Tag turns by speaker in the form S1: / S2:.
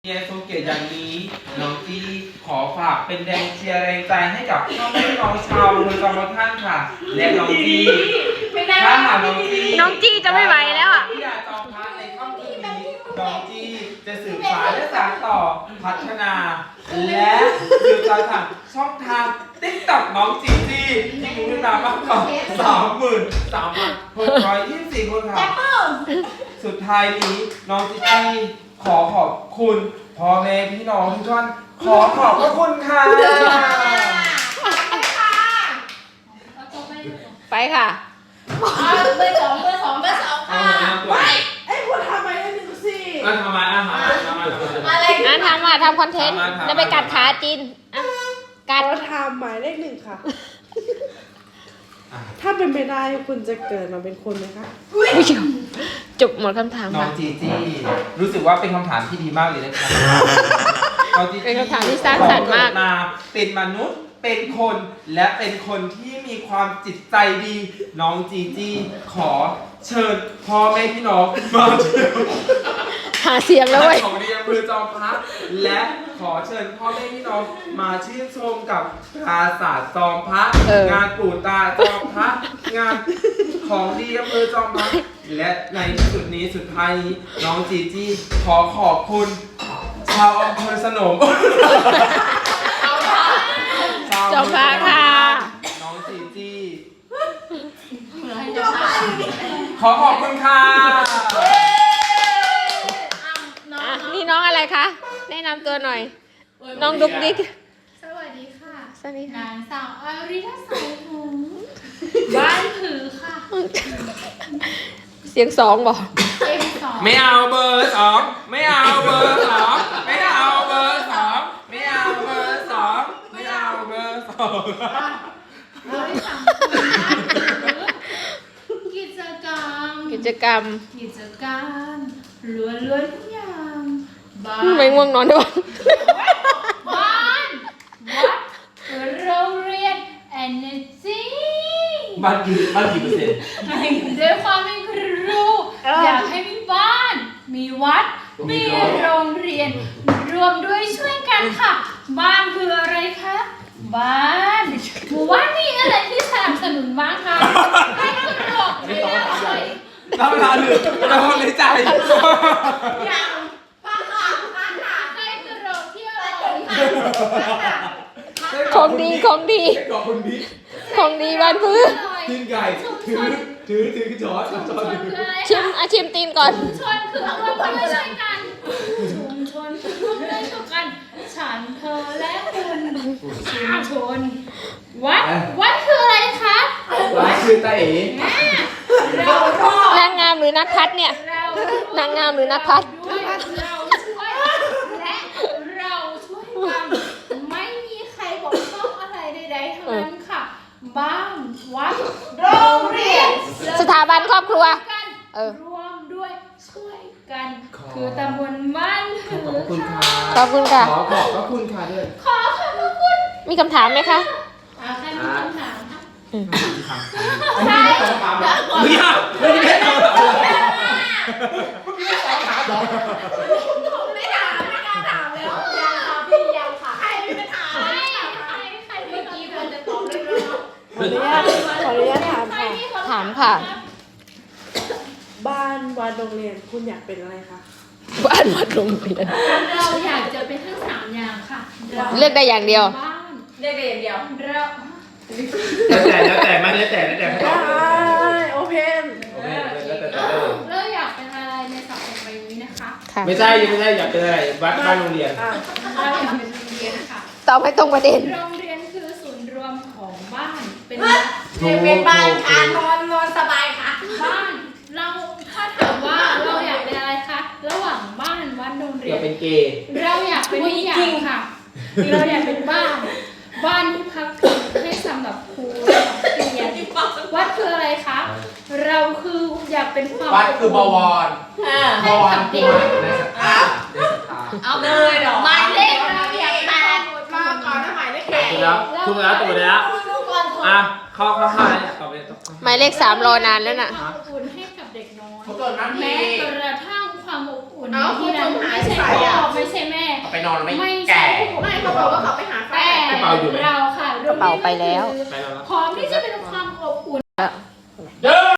S1: เรียนทรงเกียรติอย่างนี้น้องจีขอฝากเป็นแรงเชียร์แรงใจให้กับพ่อแม่น้องชาวอำเภอจอมพระท่านค่ะและน้องจีถ้าหากน้องจี
S2: จะไม่ไหวแล้วอ่ะ
S1: ที่อยากจองพระในค่ำคืนนี้น้องจีจะสืบสานและสานต่อพัฒนาและสืบสานช่องทางTikTok น้องจีที่มีผู้ติดตามมากกว่า33,624 คนค่ะสุดท้ายนี้น้องจีขอขอบคุณพ่อแม่พี่น้องทุกท่านขอขอบพระคุณค่ะ
S2: ไปค่ะ
S3: เบอร์สองค่ะ
S1: ไป
S3: ไอ้พวกทำไมได้หนึ่งสิ
S1: ทำไม
S2: ทำคอนเทนต์จะไปกัดขาจีน
S3: กัดทำหมายเลขหนึ่งค่ะถ้าเป็นไปได้คุณจะเกิดมาเป็นคนไหมคะ
S2: จบหมดคำถาม
S1: น้องจีจี้รู้สึกว่าเป็นคำถามที่ดีมากเลยนะครับ
S2: เป็นคำถามที่สร้างสรรค์มาก
S1: เป็นมนุษย์เป็นคนและเป็นคนที่มีความจิตใจดีน้องจีจี้ขอเชิญพ่อแม่พี่น้องมา
S2: หาเสียงแล้วเว้ย
S1: ของเรียนอำเภอจอมพระและขอเชิญพ่อแม่พี่น้องมาชื่นชมกับปราสาทจอมพระงานปู่ตาจอมพระงานของดีอำเภอจอมพระและในที่สุดนี้สุดท้ายนี้น้องจีจี้ขอขอบคุณชาวอำเภอสนม
S2: จอมพระค่ะ
S1: น้องจีจี้ขอขอบคุณค่ะ
S2: นี่น้องอะไรคะแนะนำตัวหน่อยน้องดุ๊กดิ๊ก
S4: สวัสดีค่ะ
S2: สวัสดีค่ะ
S4: นางสาวอาริทัสายหงบ้านผือค่ะ
S2: เสียงสองบอก
S1: ไม่เอาเบอร์สองไม่เอาเบอร์สองไม่เอาเบอร์สองไม่เอาเบอร์สองไม่เอาเบอร์สอง
S4: กิจกรรมล้วนทุกอย่างบ้าน
S2: ไม่ง่วงนอนด้วย
S4: บ้านวัดโรงเรียน energy
S1: บ้านกี่เปอร์เซ็นต์
S4: ด้วยความเป็นครูอยากให้มีบ้านมีวัดมีโรงเรียนรวมด้วยช่วยกันค่ะบ้านคืออะไรคะบ้านหมู่บ้านมีอะไรที่สนับสนุนบ้างคะให้กระโดดเรียนเลย
S1: เราเวลาหนึ่งเราเลยใจ
S4: อย่างป้าค่ะให้กระโดดเที่ยว
S2: ของดี
S1: ของดี
S2: บ้านพื้น
S1: ตีนไก่ถือช้อน
S2: ชิมตีนก่อน
S4: ชุมชนคือร่วมด้วยช่วยกันชุมชนคือร่วมด้วยช่วยกันฉันเธอและคุณชุมชนวัดคืออะไรคะ
S1: วัดคือตาเอ๋
S2: นางงามหรือนักพัฒเนี่ยนางงามหรือนักพัฒ
S4: เราช่วยและเราช่วยกันไม่มีใครบอกต้องอะไรใดๆทั้งนั้นค่ะบ้านวัดโรงเรียน
S2: สถาบันครอบครัว
S4: รวมด้วยช่วยกันคือตำบลบ้านผือ
S2: ขอบคุณค่ะ
S1: ขอบพระคุณค่ะด้วย
S4: ขอบคุณ
S2: มีคำถามไหมคะ
S4: ใครมีคำถามคะ
S1: ใช่ไม่ได้
S4: ไม่ถามแล้วยังค่ะใครไม่ไปถามใครเมื่อกี้ควรจะตอบเลยเนาะ
S3: ขออนุญาต
S2: ถามค่ะ
S3: บ้านวัดโรงเรียนคุณอยากเป็นอะไรคะ
S2: บ้านวัดโรงเรียน
S4: เราอยากจะเป็นทั้ง3อย่างค่ะ
S2: เลือกได้อย่างเดียว
S4: เลือกได้อย่างเดียว
S1: แล้วแต่ไม่แล้วแต่
S3: โอเพน
S4: เราอยากเป็นอะไรในสังคมใบนี้นะคะ
S1: ไม่ใช่อยากเป็นอะไรบ้านโรงเรียน
S4: เราอยากเป็นโรงเรียนค่ะ
S2: ตอบให้ตรงประเด็น
S4: โรงเรียนคือศูนย์รวมของบ้านเป็น
S3: บ้านค่ะนอนสบายค่ะ
S4: บ้านเราถ้าถามว่าเราอยากเป็นอะไรคะระหว่างบ้านวัดโรงเรียน
S1: อยากเป็นเกย์
S4: เราอยากเป็นทุกอย่างค่ะเราอยากเป็นบ้านที่พักพิงให้สำหรับครูนักเรียนวัดคืออะไรคะเราคืออยากเป็นความ
S1: วัดคือบวร
S4: ให้กับเด็กเอาเลยเหรอหมายเลขเราอยากแปด
S3: มาก่อนนะหมายเลข
S1: ถูกแล้วตัวแล้วเข้าต่อไป
S2: หมายเลข3รอนานแล้วน่ะ
S4: อบอุ่นให้กับเด็กน้อยแม้กระทั่งความอบอุ่นที่นั้นไม่ใช่พ่อไม่ใช่แม่
S1: อนไม่
S4: ไม่
S1: แก่
S4: ใช่
S3: ไม่เขาบอกว่าเขาไปหาแฟ
S4: แต่
S3: น
S4: เราค่ะ
S2: กระเป๋าไปแล้ว
S1: ไปแล้วนะ
S4: พร้อมที่จะเป็นความอบอุ่น
S1: เด้อ